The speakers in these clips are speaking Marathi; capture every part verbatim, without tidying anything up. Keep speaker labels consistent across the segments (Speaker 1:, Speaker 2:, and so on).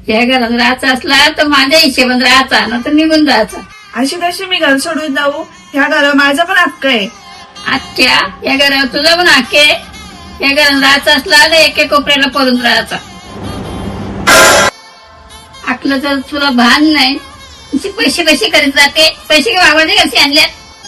Speaker 1: या घरात राहायचा असला तर माझ्या हिशेबान राहायचा ना तर निघून जायचा.
Speaker 2: अशी कशी मी घर सोडून जाऊ? ह्या घरावर माझा पण हक्क आहे.
Speaker 1: आजच्या या घरावर तुझा पण हक्क आहे. या घरात राहायचं असला तर एके कोपऱ्याला पडून राहायचा. आपलं जर तुला भान नाही पैसे पैसे करीत जाते. पैसे बाबाने कसे आणल्यात?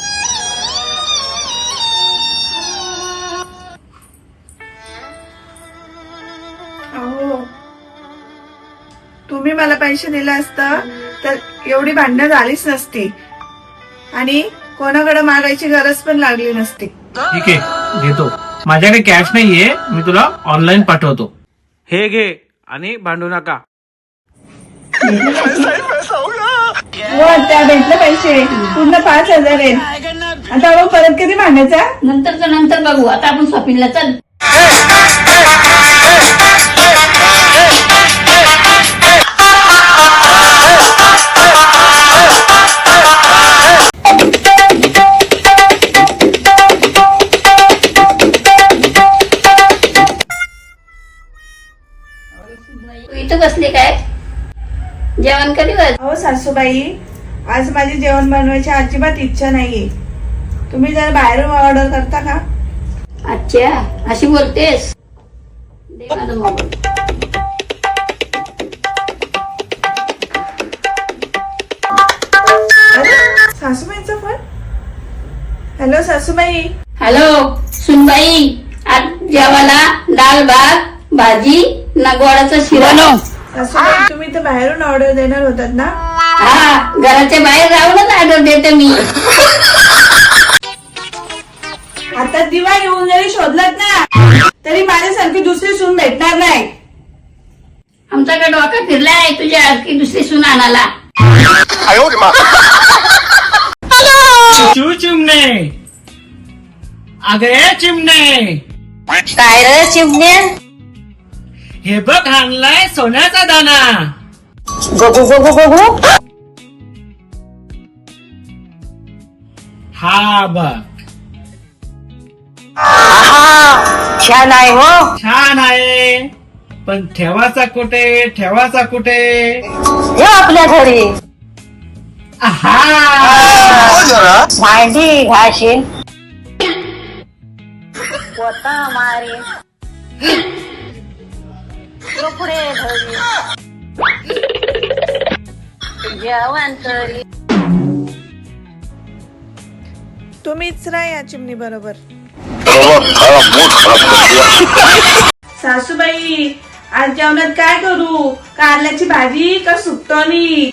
Speaker 2: अहो, तुम्ही मला पैसे दिले असतं तर एवढी भांडणं झालीच नसती आणि कोणाकडे मागायची गरज पण लागली नसती.
Speaker 3: ठीक आहे, घेतो. माझ्याकडे कॅश नाहीये, मी तुला ऑनलाईन पाठवतो. हे घे आणि भांडू नका.
Speaker 2: त्या भेटले पैसे पूर्ण पाच हजार आहेत. आता मग परत कधी भांडायचा?
Speaker 1: नंतरच नंतर बघू. आता आपण शॉपिंगला चल. इथं बसली काय? जेवण कधी बस?
Speaker 2: हो सासूबाई, आज माझी जेवण बनवायची अजिबात इच्छा नाहीये. तुम्ही जरा बाहेरून ऑर्डर करता का?
Speaker 1: अच्छा, अशी बोलतेस? दे माझा मोबाईल.
Speaker 2: अरे सासूबाईंचा फोन. हॅलो सासूबाई.
Speaker 1: हॅलो सुनबाई, आज जेवायला डाळ भात भाजी ना गोडाचा शिरा.
Speaker 2: सासूबाई, तुम्ही तर बाहेरून ऑर्डर देणार होतात ना?
Speaker 1: हा, घराच्या बाहेर राहूनच ऑर्डर देते मी.
Speaker 2: आता दिवा येऊन जरी शोधलात ना तरी माझ्यासारखी दुसरी सून भेटणार नाही.
Speaker 1: आमच्याकडे डोका फिरलाय तुझ्या की दुसरी सून आणाला.
Speaker 3: चू चिमणे, अगे चिमणे,
Speaker 1: काय रे चिमण्या?
Speaker 3: हे बघ आणलाय सोन्याचा दाना.
Speaker 1: गगू गगू गगू.
Speaker 3: हा बघ,
Speaker 1: छान आहे हो.
Speaker 3: छान आहे, पण ठेवाचा कुठे? ठेवाचा कुठे?
Speaker 1: हे आपल्या घरी
Speaker 3: आहा,
Speaker 1: भांडी घाशीन पोता मारे कपडे धरी जेवण करी.
Speaker 2: तुम्हीच राहा या चिमणी बरोबर. सासूबाई, आज जेवणात काय करू? कारल्याची भाजी का सुकटोनी?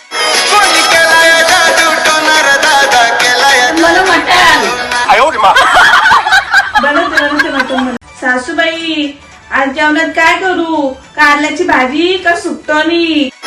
Speaker 1: मला मटण.
Speaker 2: बनवते बनवते मटण. सासूबाई, आज जेवणात काय करू? कारल्याची भाजी का सुकटोनी?